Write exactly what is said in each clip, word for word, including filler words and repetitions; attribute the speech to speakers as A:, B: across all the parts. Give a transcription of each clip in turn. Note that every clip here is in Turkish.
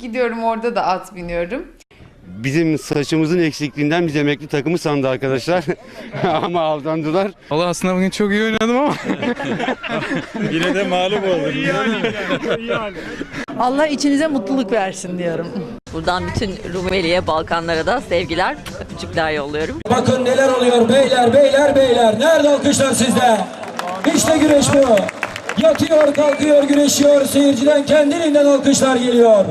A: gidiyorum, orada da at biniyorum.
B: Bizim saçımızın eksikliğinden biz emekli takımı sandı arkadaşlar. Ama aldandılar.
C: Allah aslında bugün çok iyi oynadım ama.
D: Yine de mağlup oldum.
E: Allah içinize mutluluk versin diyorum.
F: Buradan bütün Rumeli'ye, Balkanlara da sevgiler, öpücükler yolluyorum.
G: Bakın neler oluyor beyler, beyler, beyler. Nerede alkışlar sizde? İşte güreş bu. Yatıyor, kalkıyor, güreşiyor. Seyirciden kendiliğinden alkışlar geliyor.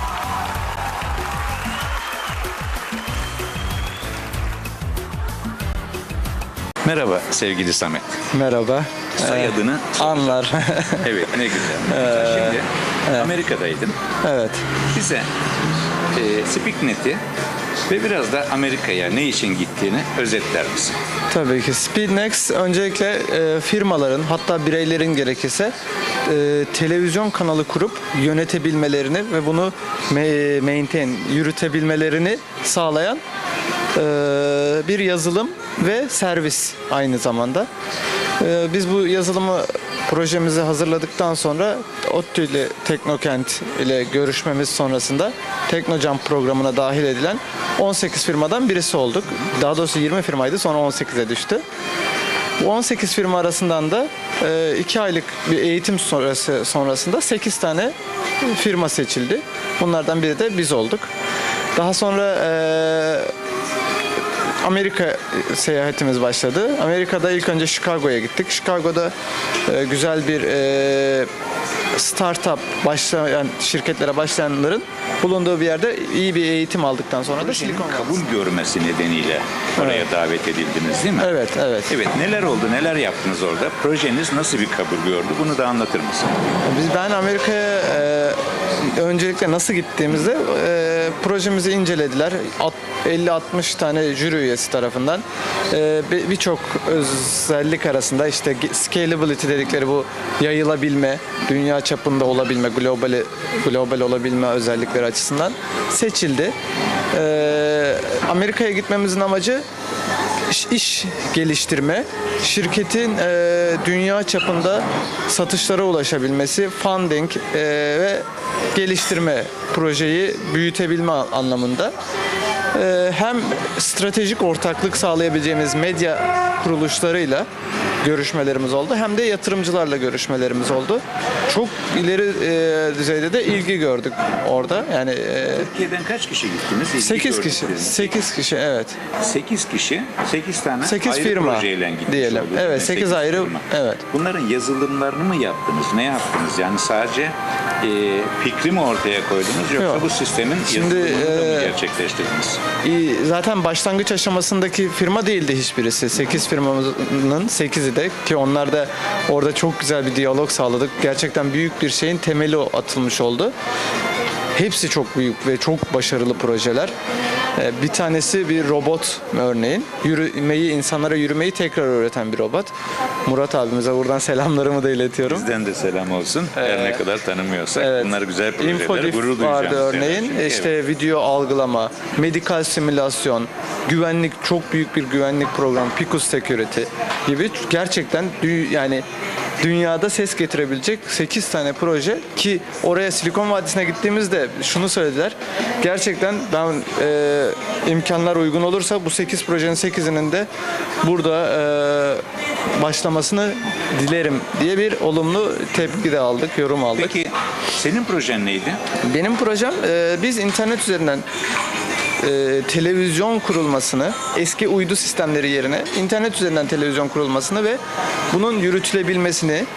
D: Merhaba sevgili Samet.
H: Merhaba.
D: Soyadını
H: Anlar.
D: evet, ne güzel. Şimdi Amerika'daydın.
H: Evet.
D: Bize e, Speaknet'i ve biraz da Amerika'ya ne için gittiğini özetler misin?
H: Tabii ki. Speednext öncelikle e, firmaların, hatta bireylerin gerekirse e, televizyon kanalı kurup yönetebilmelerini ve bunu me- maintain, yürütebilmelerini sağlayan e, bir yazılım ve servis aynı zamanda. E, biz bu yazılımı projemizi hazırladıktan sonra ODTÜ ile Teknokent ile görüşmemiz sonrasında Teknojump programına dahil edilen on sekiz firmadan birisi olduk. Daha doğrusu yirmi firmaydı, sonra on sekize düştü. Bu on sekiz firma arasından da iki aylık bir eğitim sonrası sonrasında sekiz tane firma seçildi. Bunlardan biri de biz olduk. Daha sonra Amerika seyahatimiz başladı. Amerika'da ilk önce Chicago'ya gittik. Chicago'da e, güzel bir e, startup başlayan şirketlere başlayanların bulunduğu bir yerde iyi bir eğitim aldıktan sonra da
D: Projenin
H: Silikon
D: kabul
H: Vadisi.
D: görmesi nedeniyle oraya
H: Evet.
D: davet edildiniz değil mi?
H: Evet, evet.
D: Evet, neler oldu, neler yaptınız orada? Projeniz nasıl bir kabul gördü? Bunu da anlatır mısın?
H: Biz ben Amerika'ya e, öncelikle nasıl gittiğimizde e, projemizi incelediler. elli altmış tane jüri üyesi tarafından e, bir- birçok özellik arasında işte scalability dedikleri bu yayılabilme, dünya çapında olabilme, global global olabilme özellikleri açısından seçildi. E, Amerika'ya gitmemizin amacı iş, iş geliştirme, şirketin e, dünya çapında satışlara ulaşabilmesi, funding e, ve geliştirme, projeyi büyütebilme anlamında. E, hem stratejik ortaklık sağlayabileceğimiz medya kuruluşlarıyla görüşmelerimiz oldu, hem de yatırımcılarla görüşmelerimiz oldu. Çok ileri e, düzeyde de ilgi gördük orada. Yani e,
D: Türkiye'den kaç kişi gittiniz? İlgi
H: sekiz kişi,
D: gördükleriniz.
H: sekiz kişi evet.
D: sekiz kişi, sekiz tane
H: Sekiz
D: ayrı
H: firma
D: projeyle gitmiş
H: diyelim.
D: oldunuz.
H: Evet,
D: Yani
H: sekiz ayrı-
D: firma.
H: evet.
D: Bunların yazılımlarını mı yaptınız? Ne yaptınız? Yani sadece e, fikri mi ortaya koydunuz yoksa
H: Yok.
D: bu sistemin
H: Şimdi,
D: yazılımını da mı
H: e,
D: gerçekleştirdiniz?
H: İyi, zaten başlangıç aşamasındaki firma değildi hiçbirisi. sekiz firmamızın sekizi de, ki onlar da orada çok güzel bir diyalog sağladık. Gerçekten büyük bir şeyin temeli atılmış oldu. Hepsi çok büyük ve çok başarılı projeler. Ee, Bir tanesi bir robot örneğin. Yürümeyi, insanlara yürümeyi tekrar öğreten bir robot. Murat abimize buradan selamlarımı da iletiyorum.
D: Bizden de selam olsun. Her ne kadar tanımıyorsak
H: Evet.
D: bunlar güzel projeler.
H: Infodif
D: Gurur
H: vardı
D: duyacağımız
H: örneğin.
D: şeyler çünkü.
H: İşte
D: Evet.
H: video algılama, medikal simülasyon, güvenlik, çok büyük bir güvenlik programı, Picus Security gibi gerçekten dü- yani dünyada ses getirebilecek sekiz tane proje, ki oraya Silikon Vadisi'ne gittiğimizde şunu söylediler. Gerçekten ben e, imkanlar uygun olursa bu sekiz projenin sekizinin de burada e, başlamasını dilerim diye bir olumlu tepki de aldık, yorum aldık.
D: Peki senin projen neydi?
H: Benim projem e, biz internet üzerinden e, televizyon kurulmasını, eski uydu sistemleri yerine internet üzerinden televizyon kurulmasını ve bunun yürütülebilmesini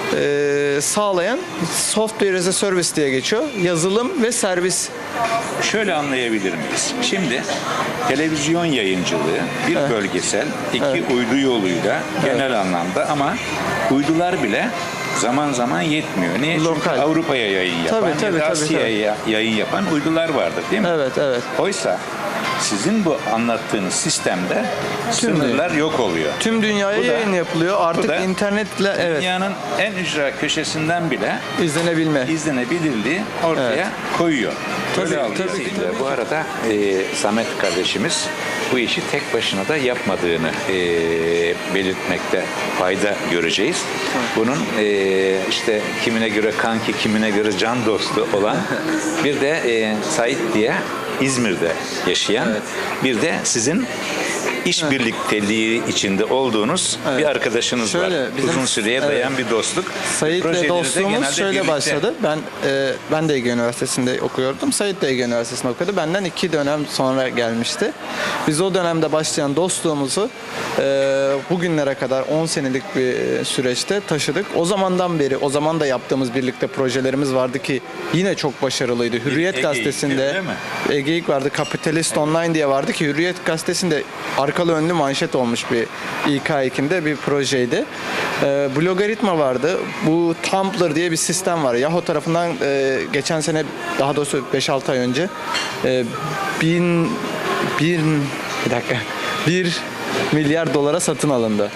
H: e, sağlayan software as a service diye geçiyor. Yazılım ve servis.
D: Şöyle anlayabilir miyiz? Şimdi televizyon yayıncılığı bir bölgesel, iki uydu yoluyla genel anlamda, ama uydular bile zaman zaman yetmiyor. Niye? Çünkü
H: Lokal.
D: Avrupa'ya yayın yapan
H: Tabii,
D: ya
H: tabii,
D: da
H: tabii,
D: Asya'ya yayın yapan uydular vardır değil mi?
H: Evet, evet.
D: Oysa sizin bu anlattığınız sistemde sınırlar yok oluyor.
H: Tüm dünyaya
D: Bu da-
H: yayın yapılıyor.
D: bu
H: Artık
D: da
H: internetle evet
D: Dünyanın en ücra köşesinden bile
H: izlenebilme.
D: izlenebilirliği ortaya
H: Evet.
D: koyuyor.
H: Tabii,
D: Böyle
H: tabii
D: algılıyor.
H: ki.
D: Bu arada e, Samet kardeşimiz bu işi tek başına da yapmadığını e, belirtmekte fayda göreceğiz. Bunun e, işte kimine göre kanki, kimine göre can dostu olan bir de e, Sait diye İzmir'de yaşayan bir de sizin iş birlikteliği içinde olduğunuz bir arkadaşınız
H: Şöyle,
D: var.
H: bizim-
D: Uzun süreye
H: evet.
D: dayan bir dostluk.
H: Sait'le
D: Projeleri de
H: dostluğumuz
D: genelde
H: şöyle
D: birlikte.
H: başladı. Ben e, ben de Ege Üniversitesi'nde okuyordum. Sait de Ege Üniversitesi'nde okuyordu. Benden iki dönem sonra gelmişti. Biz o dönemde başlayan dostluğumuzu e, bugünlere kadar on senelik bir süreçte taşıdık. O zamandan beri, o zaman da yaptığımız birlikte projelerimiz vardı ki yine çok başarılıydı. Hürriyet
D: Ege'yik,
H: Gazetesi'nde
D: değil mi?
H: Ege'yik vardı, Kapitalist Online diye vardı ki Hürriyet Gazetesi'nde arkalı önlü manşet olmuş bir İK ekinde bir projeydi. Ee, Blogaritma vardı. Bu Tumblr diye bir sistem var. Yahoo tarafından e, geçen sene, daha doğrusu beş altı ay önce e, bin, bir, bir dakika, bir milyar dolara satın alındı.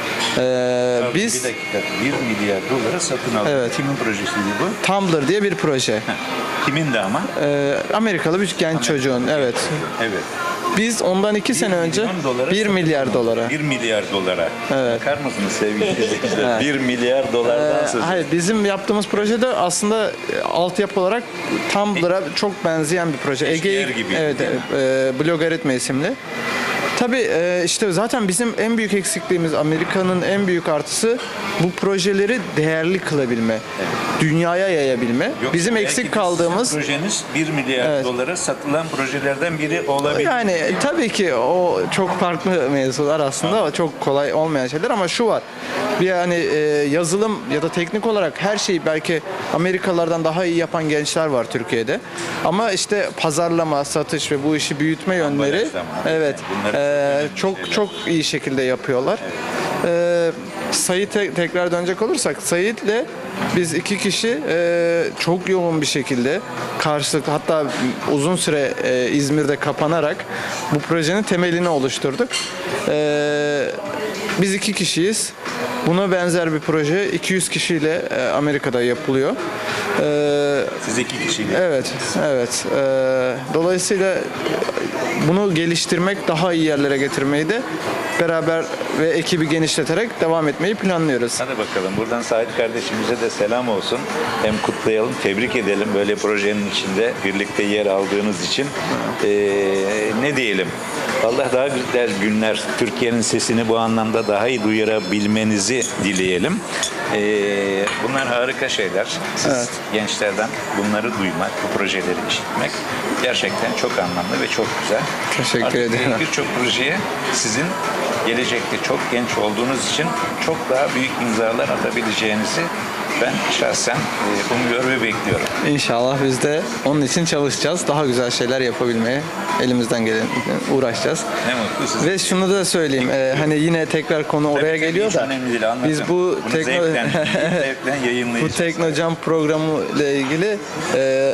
H: Ee,
D: Pardon,
H: biz
D: bir dakika. bir milyar dolara satın aldık.
H: Evet.
D: Kimin projesiydi bu?
H: Tumblr diye bir proje.
D: Kimin de ama?
H: Ee, Amerikalı bir genç çocuğun, evet.
D: Evet.
H: Biz ondan iki sene önce
D: milyon dolara
H: bir
D: satın
H: milyar
D: aldık.
H: dolara.
D: bir milyar dolara.
H: Evet.
D: Bakar mısınız sevgili izleyiciler? bir milyar dolardan
H: Ee,
D: söz
H: hayır, bizim yaptığımız projede aslında e, altyapı olarak Tumblr'a çok benzeyen bir proje.
D: Eşdeğer
H: Ege
D: gibi,
H: evet,
D: değil mi?
H: e, Blogaritma isimli. Tabii e, işte zaten bizim en büyük eksikliğimiz, Amerika'nın en büyük artısı bu projeleri değerli kılabilme, dünyaya yayabilme.
D: Yoksa
H: bizim
D: belki
H: eksik
D: de
H: kaldığımız
D: sizin projeniz bir milyar
H: Evet.
D: dolara satılan projelerden biri olabilir.
H: yani tabii ki o çok farklı mevzular aslında, o çok kolay olmayan şeyler ama şu var. Bir yani e, yazılım ya da teknik olarak her şeyi belki Amerikalılardan daha iyi yapan gençler var Türkiye'de. Ama işte pazarlama, satış ve bu işi büyütme yönleri
D: Ambalaj zamanı.
H: evet
D: Bunları
H: e,
D: önemli
H: çok
D: şeyler.
H: çok iyi şekilde yapıyorlar. E, Sait'e tekrar dönecek olursak, Sait'le biz iki kişi e, çok yoğun bir şekilde karşılıklı, hatta uzun süre e, İzmir'de kapanarak bu projenin temelini oluşturduk. E, biz iki kişiyiz. Buna benzer bir proje iki yüz kişiyle e, Amerika'da yapılıyor. E,
D: Siz iki kişiyle.
H: Evet, evet. Ee, dolayısıyla bunu geliştirmek, daha iyi yerlere getirmeyi de beraber ve ekibi genişleterek devam etmeyi planlıyoruz.
D: Hadi bakalım. Buradan Sait kardeşimize de selam olsun. Hem kutlayalım, tebrik edelim böyle projenin içinde birlikte yer aldığınız için. Ee, ne diyelim? Allah daha güzel günler, Türkiye'nin sesini bu anlamda daha iyi duyurabilmenizi dileyelim. Ee, bunlar harika şeyler. Siz
H: Evet.
D: gençlerden bunları duymak, bu projeleri işitmek gerçekten çok anlamlı ve çok güzel.
H: Teşekkür
D: Artık
H: ederim.
D: Birçok projeye sizin gelecekte çok genç olduğunuz için çok daha büyük imzalar atabileceğinizi ben şahsen e, umuyor ve bekliyorum.
H: İnşallah biz de onun için çalışacağız. Daha güzel şeyler yapabilmeye elimizden gelen uğraşacağız.
D: Ne mutlu size.
H: Ve şunu da söyleyeyim. e, hani yine tekrar konu oraya
D: Tabii,
H: geliyor
D: hiç
H: da
D: önemli değil, anlatın.
H: biz bu
D: Bunu
H: tekno
D: zevkten, zevkten
H: bu
D: yayınlayacağız.
H: Teknocam programı ile ilgili e,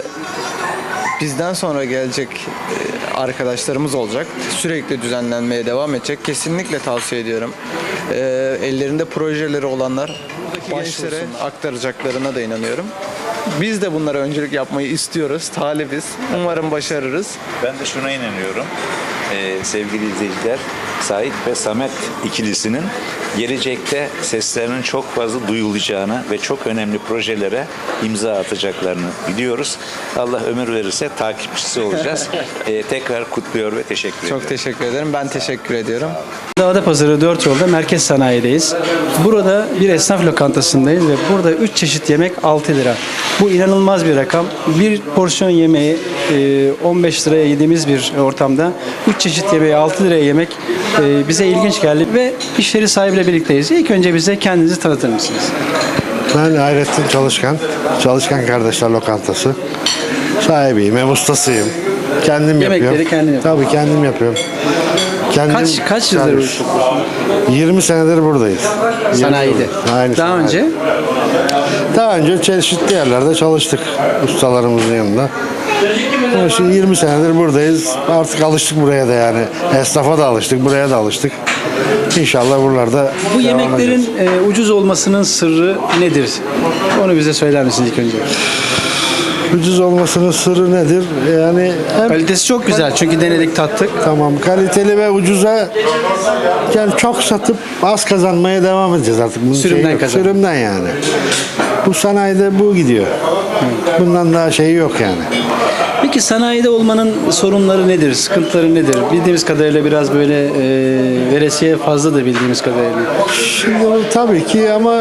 H: bizden sonra gelecek e, arkadaşlarımız olacak. Sürekli düzenlenmeye devam edecek. Kesinlikle tavsiye ediyorum. E, ellerinde projeleri olanlar gençlere aktaracaklarına da inanıyorum. Biz de bunlara öncülük yapmayı istiyoruz, talibiz. Umarım başarırız.
D: Ben de şuna inanıyorum. Ee, sevgili izleyiciler, Sait ve Samet ikilisinin gelecekte seslerinin çok fazla duyulacağını ve çok önemli projelere imza atacaklarını biliyoruz. Allah ömür verirse takipçisi olacağız. Ee, tekrar kutluyor ve teşekkür ediyorum.
H: Çok teşekkür ederim. Ben teşekkür ediyorum.
I: Adapazarı dört yolda Merkez Sanayi'deyiz. Burada bir esnaf lokantasındayız ve burada üç çeşit yemek altı lira. Bu inanılmaz bir rakam. Bir porsiyon yemeği on beş liraya yediğimiz bir ortamda üç çeşit yemeği altı liraya yemek bize ilginç geldi ve iş yeri sahibiyle birlikteyiz. İlk önce bize kendinizi tanıtır mısınız?
J: Ben Hayrettin Çalışkan, Çalışkan Kardeşler Lokantası sahibiyim, hem ustasıyım. Kendim
I: Yemekleri
J: yapıyorum.
I: kendin yapıyorsun.
J: Tabii kendim yapıyorum. Kendim
I: Kaç kaç yıldır bu
J: servis.
I: işi yapıyorsun?
J: yirmi senedir buradayız.
I: Sanayide.
J: Aynı
I: Daha
J: sanayi.
I: önce
J: Daha önce çeşitli yerlerde çalıştık ustalarımızın yanında. Ama şimdi yirmi senedir buradayız. Artık alıştık buraya da yani. Esnafa da alıştık, buraya da alıştık. İnşallah buralarda
I: Bu
J: devam
I: yemeklerin
J: edeceğiz.
I: e, ucuz olmasının sırrı nedir? Onu bize söyler misiniz ilk önce?
J: Ucuz olmasının sırrı nedir? Yani hem
I: Kalitesi çok güzel çünkü denedik tattık.
J: tamam kaliteli ve ucuza yani çok satıp az kazanmaya devam edeceğiz artık. Bunun
I: Sürümden
J: şeyi yok.
I: kazan.
J: Sürümden yani. Bu sanayide bu gidiyor. Bundan daha şeyi yok yani.
I: Peki sanayide olmanın sorunları nedir? Sıkıntıları nedir? Bildiğimiz kadarıyla biraz böyle e, veresiye fazla da bildiğimiz kadarıyla.
J: Şimdi tabii ki ama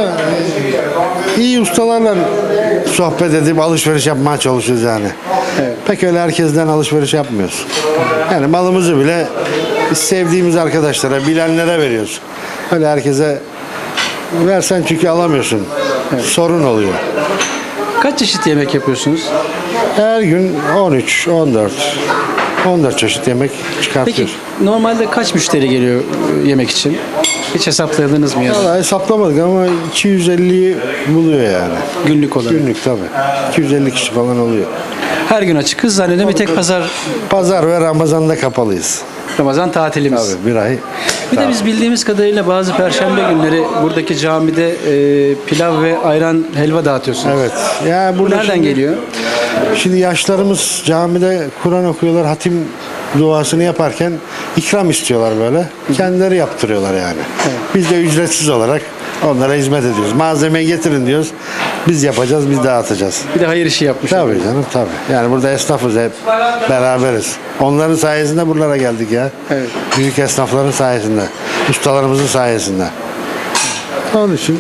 J: iyi ustalarla sohbet edip alışveriş yapmaya çalışıyoruz yani.
I: Evet.
J: Pek öyle herkesten alışveriş yapmıyoruz. Yani malımızı bile biz sevdiğimiz arkadaşlara, bilenlere veriyoruz. Öyle herkese versen çünkü alamıyorsun. Sorun oluyor.
I: Kaç çeşit yemek yapıyorsunuz?
J: Her gün on üç, on dört, on dört çeşit yemek
I: Peki
J: çıkartıyoruz.
I: normalde kaç müşteri geliyor e, yemek için? Hiç hesapladınız mı ya?
J: Vallahi hesaplamadık ama iki yüz elliyi buluyor yani.
I: Günlük olarak.
J: Günlük tabii. iki yüz elli kişi falan oluyor.
I: Her gün açıkız. Zannediyorum bir tek pazar,
J: Pazar ve Ramazan'da kapalıyız.
I: Ramazan tatilimiz.
J: Tabii bir ay.
I: Bir de biz bildiğimiz kadarıyla bazı perşembe günleri buradaki camide e, pilav ve ayran helva dağıtıyorsunuz.
J: Evet. Ya
I: Bu
J: burada
I: nereden
J: şimdi-
I: geliyor?
J: Şimdi yaşlarımız camide Kur'an okuyorlar, hatim duasını yaparken ikram istiyorlar böyle. Kendileri yaptırıyorlar yani. Biz de ücretsiz olarak onlara hizmet ediyoruz. Malzemeyi getirin diyoruz. Biz yapacağız, biz dağıtacağız.
I: Bir de hayır işi yapmış.
J: Tabii canım tabii. Yani burada esnafız hep beraberiz. Onların sayesinde buralara geldik ya.
I: Evet.
J: Büyük esnafların sayesinde. Ustalarımızın sayesinde. Onun için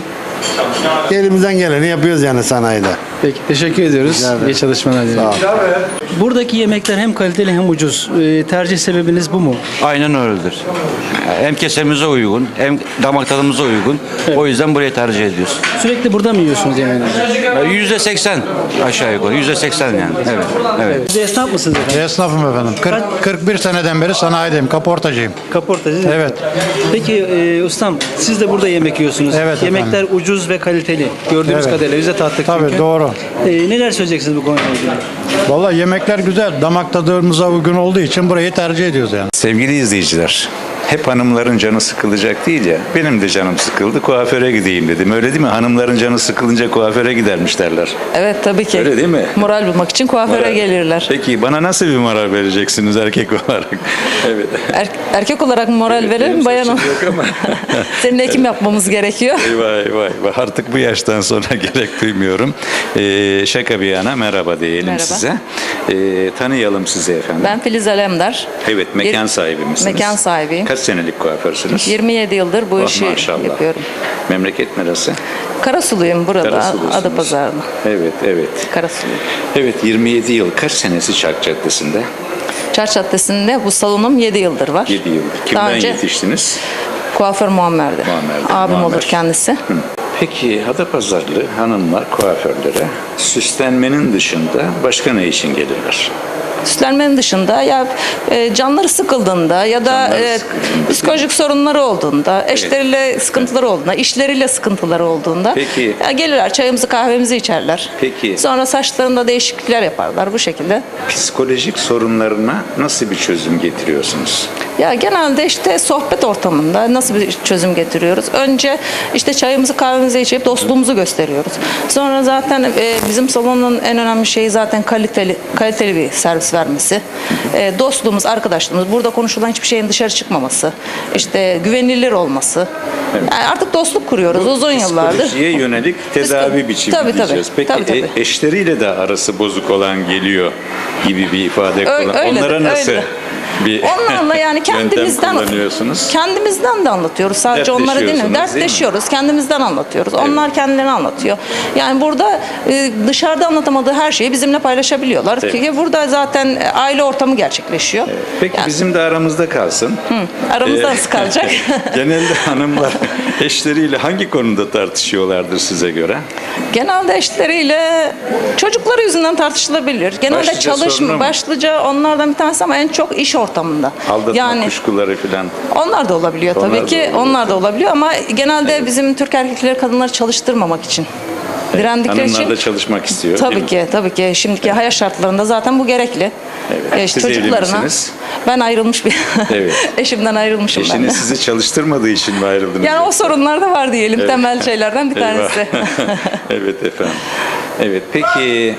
J: elimizden geleni yapıyoruz yani sanayide.
I: Peki teşekkür ediyoruz.
J: Rica ederim.
I: İyi çalışmalar dilerim.
J: Sağ ol.
I: Buradaki yemekler hem kaliteli hem ucuz. E, tercih sebebiniz bu mu?
K: Aynen öyledir. Hem kesemize uygun, hem damak tadımıza uygun. O yüzden burayı tercih ediyoruz.
I: Sürekli burada mı yiyorsunuz yemeğinizi?
K: Yüzde seksen aşağı yukarı. Yüzde seksen yani. Evet. Evet.
I: Siz de esnaf mısınız efendim?
L: Esnafım efendim. kırk, kırk bir seneden beri sanayideyim, kaportacıyım.
I: Kaportacı.
L: Evet.
I: Peki e, ustam siz de burada yemek yiyorsunuz.
L: Evet
I: Yemekler ucuz ve kaliteli. Gördüğümüz
L: Evet.
I: kadarıyla bize tattık
L: Tabii
I: çünkü.
L: doğru.
I: E, neler söyleyeceksiniz bu konuyla ilgili?
L: Vallahi yemekler güzel. Damak tadımıza uygun olduğu için burayı tercih ediyoruz yani.
D: Sevgili izleyiciler, hep hanımların canı sıkılacak değil ya. Benim de canım sıkıldı, kuaföre gideyim dedim. Öyle değil mi? Hanımların canı sıkılınca kuaföre gidermiş derler.
E: Evet tabii ki.
D: Öyle değil mi?
E: Moral bulmak için kuaföre
D: Moral.
E: gelirler.
D: Peki bana nasıl bir moral vereceksiniz erkek olarak? Evet.
E: Er- erkek olarak moral verelim,
D: Benim
E: bayan
D: saçım yok ama.
E: senin ekim yapmamız gerekiyor.
D: Vay vay vay. Artık bu yaştan sonra gerek duymuyorum. Ee, şaka bir yana merhaba diyelim
E: Merhaba.
D: size. Ee, tanıyalım sizi efendim.
E: Ben Filiz Alemdar.
D: Evet, mekan
E: Yir-
D: sahibi misiniz?
E: Mekan sahibiyim.
D: Kaç senelik kuaförsünüz?
E: yirmi yedi yıldır bu
D: Oh,
E: işi
D: maşallah.
E: yapıyorum.
D: Memleket neresi?
E: Karasuluyum burada,
D: Karasulusunuz.
E: Adapazarı'nda.
D: Evet, evet.
E: Karasuluyum.
D: Evet, yirmi yedi yıl. Kaç senesi Çark Caddesi'nde?
E: Çarşı Caddesi'nde bu salonum yedi yıldır var.
D: yedi yıl.
E: Daha
D: Kimden
E: önce
D: yetiştiniz?
E: kuaför Muammer'di.
D: Muammer'de,
E: Abim
D: Muammer.
E: olur kendisi.
D: Hı. Peki Adapazarlı hanımlar kuaförlere süslenmenin dışında başka ne için gelirler?
E: Süslenmenin dışında ya e, canları sıkıldığında ya da
D: Canları
E: e,
D: sıkıldığında.
E: psikolojik sorunları olduğunda, eşleriyle sıkıntıları olduğunda, işleriyle sıkıntıları olduğunda
D: Peki.
E: ya gelirler çayımızı kahvemizi içerler.
D: Peki.
E: Sonra saçlarında değişiklikler yaparlar bu şekilde.
D: Psikolojik sorunlarına nasıl bir çözüm getiriyorsunuz?
E: Ya genelde işte sohbet ortamında nasıl bir çözüm getiriyoruz? Önce işte çayımızı kahvemizi içip dostluğumuzu gösteriyoruz. Sonra zaten e, bizim salonun en önemli şeyi zaten kaliteli kaliteli bir servis vermesi. E, dostluğumuz, arkadaşlığımız, burada konuşulan hiçbir şeyin dışarı çıkmaması, işte güvenilir olması. Yani artık dostluk kuruyoruz uzun yıllardır.
D: Psikolojiye yönelik tedavi biçimi
E: Tabii, tabii.
D: diyeceğiz. Peki
E: Tabii, tabii.
D: e- eşleriyle de arası bozuk olan geliyor gibi bir ifade
E: Ö-
D: kullan.
E: öyledir,
D: Onlara nasıl
E: öyledir.
D: bir
E: Onlarla yani kendimizden
D: yöntem kullanıyorsunuz?
E: Kendimizden de anlatıyoruz. Sadece onlara değil mi?
D: Dertleşiyorsunuz, değil mi?
E: Dertleşiyoruz. Kendimizden anlatıyoruz. Onlar kendilerini anlatıyor. Yani burada e, dışarıda anlatamadığı her şeyi bizimle paylaşabiliyorlar.
D: Evet.
E: Ki burada zaten e, aile ortamı gerçekleşiyor.
D: Peki
E: Yani,
D: bizim de aramızda kalsın.
E: hı, aramızda
D: Ee,
E: nasıl kalacak?
D: Genelde hanımlar eşleriyle hangi konuda tartışıyorlardır size göre?
E: Genelde eşleriyle çocukları yüzünden tartışılabilir. Genelde
D: Başlıca sorunu
E: çalışma
D: mu?
E: başlıca onlardan bir tanesi ama en çok iş ortamında.
D: Aldatma
E: yani
D: kuşkuları falan.
E: onlar da olabiliyor tabii
D: Onlar da
E: ki.
D: olabiliyor.
E: Onlar da olabiliyor ama genelde bizim Türk erkekleri kadınları çalıştırmamak için Direndikleri
D: Hanımlar
E: için
D: da çalışmak istiyor. değil
E: tabii
D: mi?
E: ki tabii ki şimdiki hayat şartlarında zaten bu gerekli.
D: Evet.
E: Ee,
D: Siz evli
E: çocuklarına
D: misiniz?
E: ben ayrılmış bir
D: Evet.
E: eşimden ayrılmışım ben de.
D: Eşiniz sizi çalıştırmadığı için mi ayrıldınız?
E: Yani o sorunlar da var diyelim
D: Evet.
E: temel şeylerden bir
D: Eyvah.
E: tanesi.
D: Evet efendim. Evet peki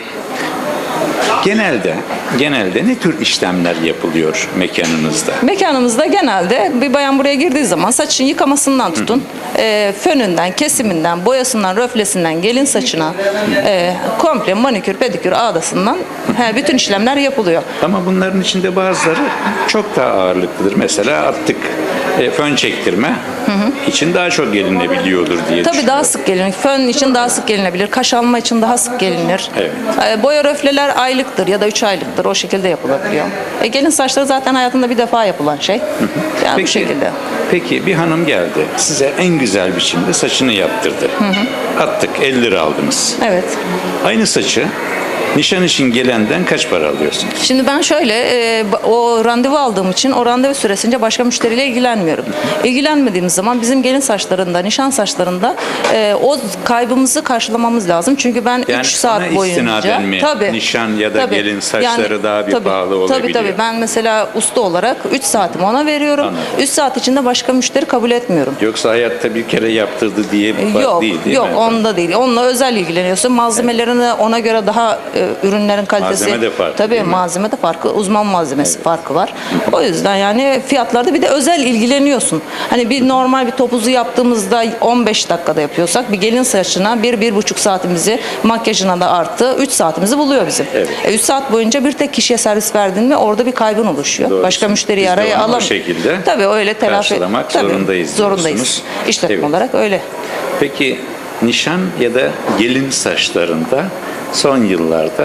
D: genelde genelde ne tür işlemler yapılıyor mekanınızda?
E: Mekanımızda genelde bir bayan buraya girdiği zaman saçın yıkamasından tutun, e, fönünden, kesiminden, boyasından, röflesinden, gelin saçına, e, komple manikür, pedikür, ağdasından he, bütün işlemler yapılıyor.
D: Ama bunların içinde bazıları çok daha ağırlıklıdır. Mesela attık e, fön çektirme için daha çok gelinebiliyordur diye
E: Tabii daha
D: düşünüyorum.
E: sık gelinir. Fön için daha sık gelinebilir. Kaş alma için daha sık gelinir.
D: Evet.
E: E, boya röfleler aylıktır ya da üç aylıktır. O şekilde yapılabiliyor. E, gelin saçları zaten hayatında bir defa yapılan şey. Yani bu
D: Peki,
E: şekilde.
D: peki bir hanım geldi. Size en güzel biçimde saçını yaptırdı. Attık elli lira aldınız.
E: Evet.
D: Aynı saçı nişan için gelenden kaç para alıyorsunuz?
E: Şimdi ben şöyle e, o randevu aldığım için o randevu süresince başka müşteriyle ilgilenmiyorum. İlgilenmediğimiz zaman bizim gelin saçlarında, nişan saçlarında e, o kaybımızı karşılamamız lazım. Çünkü ben
D: Yani
E: üç saat
D: ona
E: boyunca
D: istinaden mi? Nişan ya da gelin saçları daha bir
E: tabii,
D: pahalı olabiliyor.
E: Tabii tabii ben mesela usta olarak üç saatimi ona veriyorum. üç saat içinde başka müşteri kabul etmiyorum.
D: Yoksa hayatta bir kere yaptırdı diye
E: E, Yok,
D: değil değil
E: yok
D: mi?
E: onda değil. Onunla özel ilgileniyorsun. Malzemelerini ona göre daha e, ürünlerin kalitesi.
D: Malzeme de farklı,
E: Tabii
D: değil mi?
E: malzeme de farklı. Uzman malzemesi farkı var. O yüzden yani fiyatlarda bir de özel ilgileniyorsun. Hani bir normal bir topuzu yaptığımızda on beş dakikada yapıyorsak bir gelin saçına bir bir buçuk saatimizi makyajına da artı üç saatimizi buluyor bizim.
D: Evet.
E: E, üç saat boyunca bir tek kişiye servis verdin mi orada bir kaybın oluşuyor.
D: Doğru.
E: Başka müşteriyi
D: Biz de
E: araya
D: onu o
E: alam.
D: şekilde
E: Tabii öyle telafi.
D: karşılamak
E: Tabii,
D: zorundayız
E: Zorundayız.
D: diyorsunuz.
E: İşletme
D: Evet.
E: olarak öyle.
D: Peki nişan ya da gelin saçlarında son yıllarda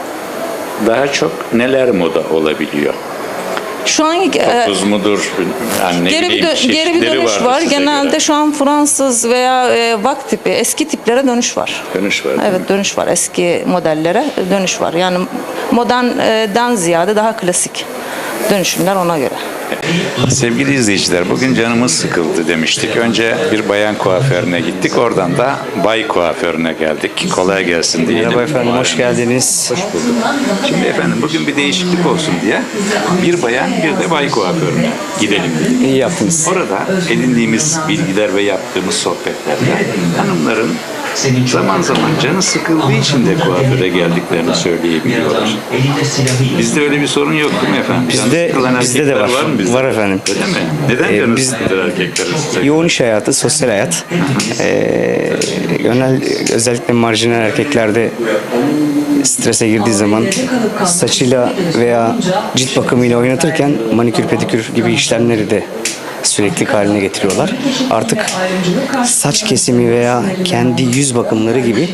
D: daha çok neler moda olabiliyor?
E: Şu an e,
D: Topuz mudur? Yani ne
E: Geri bir,
D: bileyim,
E: dö- geri bir
D: çeşitleri
E: dönüş
D: vardır
E: var.
D: size
E: Genelde
D: göre.
E: şu an Fransız veya e, vak tipi, eski tiplere dönüş var.
D: Dönüş var. değil mi?
E: Evet dönüş var. Eski modellere dönüş var. Yani modernden ziyade daha klasik dönüşümler ona göre.
D: Sevgili izleyiciler, bugün canımız sıkıldı demiştik. Önce bir bayan kuaförüne gittik. Oradan da bay kuaförüne geldik. Kolay gelsin diyelim.
I: Merhaba efendim, hoş geldiniz.
D: Hoş bulduk. Şimdi efendim bugün bir değişiklik olsun diye bir bayan bir de bay kuaförüne gidelim dedik.
I: İyi yaptınız.
D: Orada edindiğimiz bilgiler ve yaptığımız sohbetlerde hanımların zaman zaman canı sıkıldığı için de kuaföre geldiklerini söyleyebiliyorlar. Bizde öyle bir sorun yok değil mi efendim? Canı
I: Bizde-
D: sıkılan
I: bizde de
D: erkekler
I: var. var.
D: mı bizde?
I: Var efendim.
D: Öyle mi? Neden
I: Ee,
D: canı
I: biz-
D: sıkılır erkeklerin size?
I: Yoğun iş hayatı, sosyal hayat. Ee, yönel, özellikle marjinal erkeklerde strese girdiği zaman saçıyla veya cilt bakımıyla oynatırken manikür pedikür gibi işlemleri de sürekli haline getiriyorlar. Artık saç kesimi veya kendi yüz bakımları gibi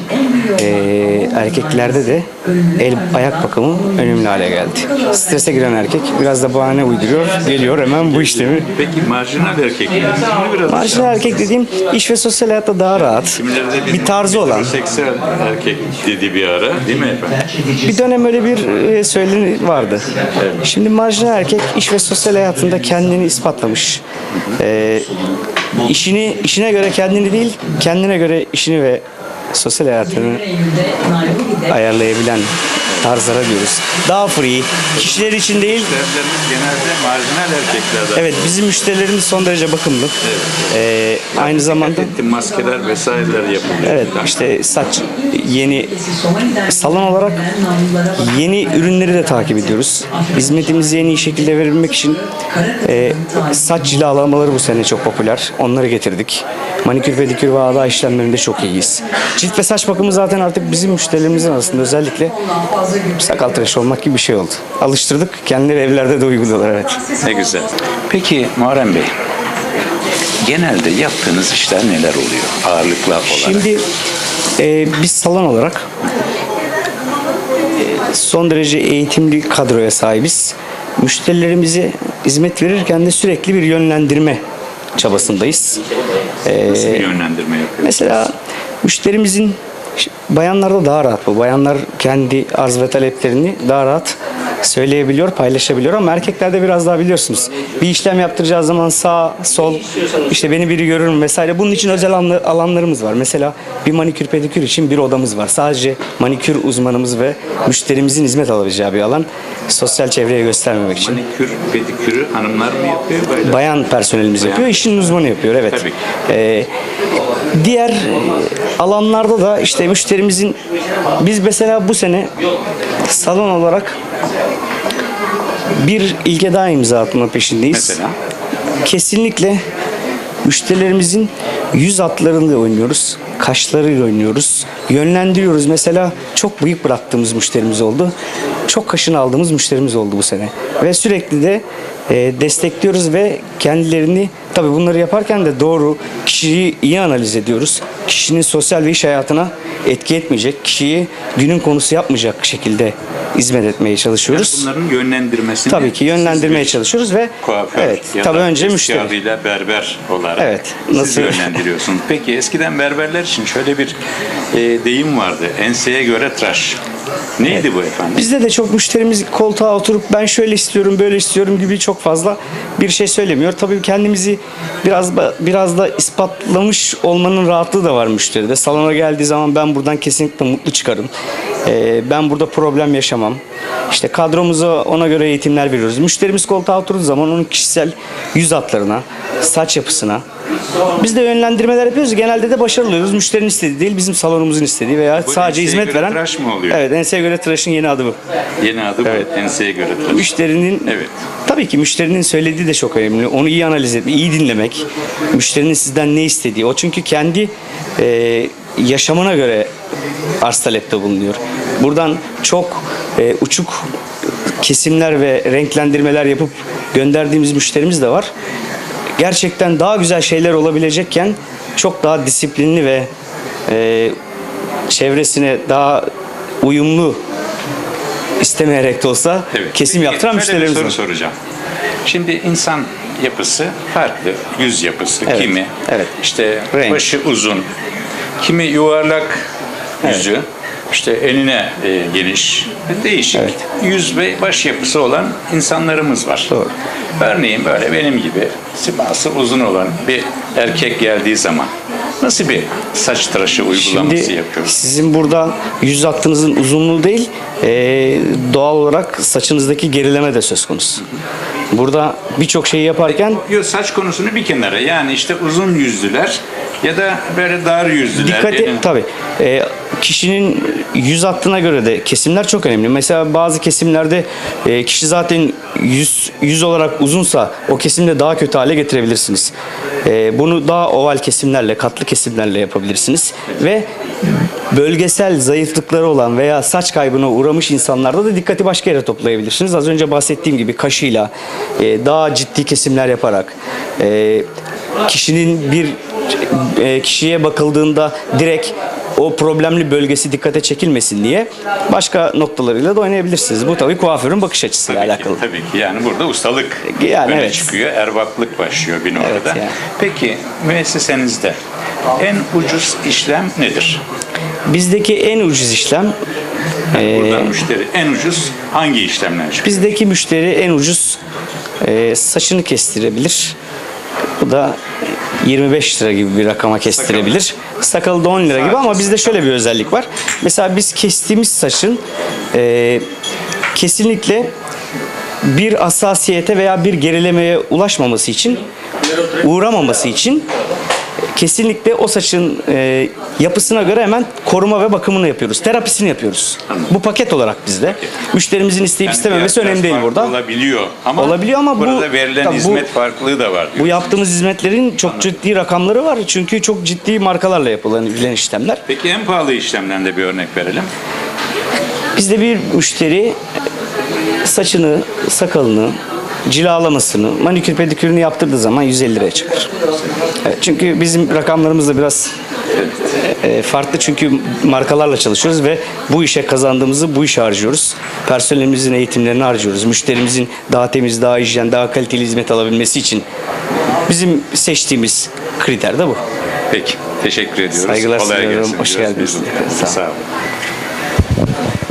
I: e, erkeklerde de el ayak bakımı önemli hale geldi. Strese giren erkek biraz da bahane uyduruyor, geliyor hemen bu işlemi.
D: Peki marjinal erkekler bunu biraz
I: Marjinal erkek dediğim iş ve sosyal hayatta daha rahat,
D: Kimileri de bizim
I: bir tarzı olan.
D: seksüel erkek dedi bir ara değil mi efendim?
I: Bir dönem öyle bir e, söyleni vardı. Şimdi marjinal erkek iş ve sosyal hayatında kendini ispatlamış. E, işini işine göre kendini değil, kendine göre işini ve sosyal hayatını ayarlayabilen tarzlara diyoruz. Daha free, kişiler için değil.
D: Müşterilerimiz genelde marjinal erkeklerden.
I: Evet, bizim müşterilerimiz son derece bakımlı. E, aynı zamanda
D: Ettim, maskeler vesaireler yapılıyor.
I: evet işte saç yeni salon olarak yeni ürünleri de takip ediyoruz. Hizmetimizi en iyi şekilde verebilmek için e, saç cilalamaları bu sene çok popüler. Onları getirdik. Manikür, pedikür ve ağda işlemlerinde çok iyiyiz. Cilt ve saç bakımı zaten artık bizim müşterilerimizin arasında özellikle sakal tıraşı olmak gibi bir şey oldu. Alıştırdık. Kendileri evlerde de uyguluyorlar evet.
D: Ne güzel. Peki Muharrem Bey, genelde yaptığınız işler neler oluyor ağırlıklı olarak?
I: Şimdi e, biz salon olarak e, son derece eğitimli kadroya sahibiz. Müşterilerimize hizmet verirken de sürekli bir yönlendirme çabasındayız. E,
D: Nasıl bir yönlendirme yapıyorsunuz?
I: mesela müşterimizin bayanlarda daha rahat bu. Bayanlar kendi arz ve taleplerini daha rahat söyleyebiliyor, paylaşabiliyor ama erkeklerde biraz daha biliyorsunuz. Bir işlem yaptıracağı zaman sağ, sol, işte beni biri görür mü vesaire. Bunun için özel alanlı- alanlarımız var. Mesela bir manikür pedikür için bir odamız var. Sadece manikür uzmanımız ve müşterimizin hizmet alabileceği bir alan. Sosyal çevreye göstermemek için.
D: Manikür, pedikürü hanımlar mı yapıyor böyle?
I: Bayan personelimiz
D: Bayan.
I: yapıyor, işin uzmanı yapıyor, evet.
D: Tabii ki.
I: Ee, diğer alanlarda da işte müşterimizin, biz mesela bu sene salon olarak bir ilke daha imza atma peşindeyiz.
D: Mesela?
I: Kesinlikle müşterilerimizin yüz hatlarıyla oynuyoruz, kaşlarıyla oynuyoruz, yönlendiriyoruz. Mesela çok bıyık bıraktığımız müşterimiz oldu. Çok kaşını aldığımız müşterimiz oldu bu sene. Ve sürekli de e, destekliyoruz ve kendilerini, tabii bunları yaparken de doğru, kişiyi iyi analiz ediyoruz. Kişinin sosyal ve iş hayatına etki etmeyecek, kişiyi günün konusu yapmayacak şekilde hizmet etmeye çalışıyoruz.
D: Yani bunların yönlendirmesini
I: Tabii ki yönlendirmeye
D: siz bir
I: çalışıyoruz ve
D: kuaför
I: evet,
D: ya
I: tabii
D: da
I: önce
D: eski
I: müşteri.
D: adıyla berber olarak
I: Evet,
D: siz
I: nasıl-
D: yönlendiriyorsunuz. Peki eskiden berberler için şöyle bir e, deyim vardı. Enseye göre tıraş. Neydi bu efendim?
I: Bizde de çok müşterimiz koltuğa oturup ben şöyle istiyorum, böyle istiyorum gibi çok fazla bir şey söylemiyor. Tabii kendimizi biraz da, biraz da ispatlamış olmanın rahatlığı da var müşteride. Salona geldiği zaman ben buradan kesinlikle mutlu çıkarım. Ee, ben burada problem yaşamam. İşte kadromuza ona göre eğitimler veriyoruz. Müşterimiz koltuğa oturduğu zaman onun kişisel yüz hatlarına, saç yapısına biz de yönlendirmeler yapıyoruz. Genelde de başarılı oluyoruz. Müşterinin istediği değil, bizim salonumuzun istediği veya
D: Bu
I: sadece
D: enseye
I: hizmet
D: göre
I: veren.
D: tıraş mı oluyor?
I: Evet, enseye göre tıraşın yeni adı bu.
D: Yeni adı bu.
I: Evet.
D: Enseye göre tıraş.
I: Müşterinin
D: Evet.
I: tabii ki müşterinin söylediği de çok önemli. Onu iyi analiz etmek, iyi dinlemek. Müşterinin sizden ne istediği. O çünkü kendi e, yaşamına göre arz talepte bulunuyor. Buradan çok e, uçuk kesimler ve renklendirmeler yapıp gönderdiğimiz müşterimiz de var. Gerçekten daha güzel şeyler olabilecekken çok daha disiplinli ve e, çevresine daha uyumlu, istemeyerek de olsa
D: Evet.
I: kesim
D: Peki,
I: yaptıran
D: şöyle
I: müşterilerimiz
D: bir
I: var.
D: soru soracağım. Şimdi insan yapısı farklı. Yüz yapısı.
I: Evet,
D: Kimi
I: evet.
D: işte
I: Renk.
D: başı uzun. Kimi yuvarlak yüzü. İşte eline e, geniş. Değişik.
I: Evet.
D: Yüz ve baş yapısı olan insanlarımız var.
I: Doğru.
D: Örneğin böyle benim gibi siması uzun olan bir erkek geldiği zaman nasıl bir saç tıraşı uygulaması
I: Şimdi
D: yapıyoruz?
I: sizin burada yüz hattınızın uzunluğu değil, e, doğal olarak saçınızdaki gerileme de söz konusu. Burada birçok şeyi yaparken
D: Yo, saç konusunu bir kenara. Yani işte uzun yüzlüler ya da böyle dar yüzlüler.
I: dikkati
D: Yani-
I: tabii e, kişinin yüz hattına göre de kesimler çok önemli. Mesela bazı kesimlerde e, kişi zaten yüz yüz olarak uzunsa o kesimde daha kötü hale getirebilirsiniz. E, bunu daha oval kesimlerle, katlı kesimlerle yapabilirsiniz ve bölgesel zayıflıkları olan veya saç kaybına uğramış insanlarda da dikkati başka yere toplayabilirsiniz. Az önce bahsettiğim gibi kaşıyla e, daha ciddi kesimler yaparak e, kişinin bir e, kişiye bakıldığında direkt o problemli bölgesi dikkate çekilmesin diye başka noktalarıyla da oynayabilirsiniz. Bu tabii kuaförün bakış açısıyla
D: Tabii
I: alakalı.
D: ki, tabii ki. Yani burada ustalık
I: Yani
D: öne
I: evet.
D: çıkıyor. Erbaplık başlıyor bir noktada.
I: Evet, yani.
D: Peki müessesenizde en ucuz işlem nedir?
I: Bizdeki en ucuz işlem e,
D: Burada müşteri en ucuz hangi işlemler çıkıyor?
I: bizdeki müşteri en ucuz e, saçını kestirebilir. Bu da yirmi beş lira gibi bir rakama kestirebilir. Sakalı da on lira gibi ama bizde şöyle bir özellik var. Mesela biz kestiğimiz saçın e, kesinlikle bir hassasiyete veya bir gerilemeye ulaşmaması için, uğramaması için kesinlikle o saçın e, yapısına göre hemen koruma ve bakımını yapıyoruz. Terapisini yapıyoruz. Bu paket olarak bizde. Müşterimizin isteyip
D: Yani
I: istememesi
D: fiyatlar
I: önemli değil
D: farklı
I: burada.
D: Olabiliyor ama,
I: Olabiliyor ama bu-
D: burada verilen
I: tabii bu-
D: hizmet farklılığı da var.
I: Bu
D: diyorsunuz.
I: yaptığımız hizmetlerin çok ciddi rakamları var. Çünkü çok ciddi markalarla yapılan işlemler.
D: Peki en pahalı işlemden de bir örnek verelim.
I: Bizde bir müşteri saçını, sakalını, cilalamasını, manikür pedikürünü yaptırdığı zaman yüz elli liraya çıkar. Evet, çünkü bizim rakamlarımız da biraz e, farklı çünkü markalarla çalışıyoruz ve bu işe kazandığımızı bu işe harcıyoruz. Personelimizin eğitimlerini harcıyoruz. Müşterimizin daha temiz, daha hijyen, daha kaliteli hizmet alabilmesi için bizim seçtiğimiz kriter de bu.
D: Peki. Teşekkür ediyoruz.
I: Saygılar
D: Kolay
I: sunuyorum.
D: gelsin
I: Hoş
D: diyoruz
I: geldiniz.
D: biz de.
I: Sağ olun.
D: Sağ olun.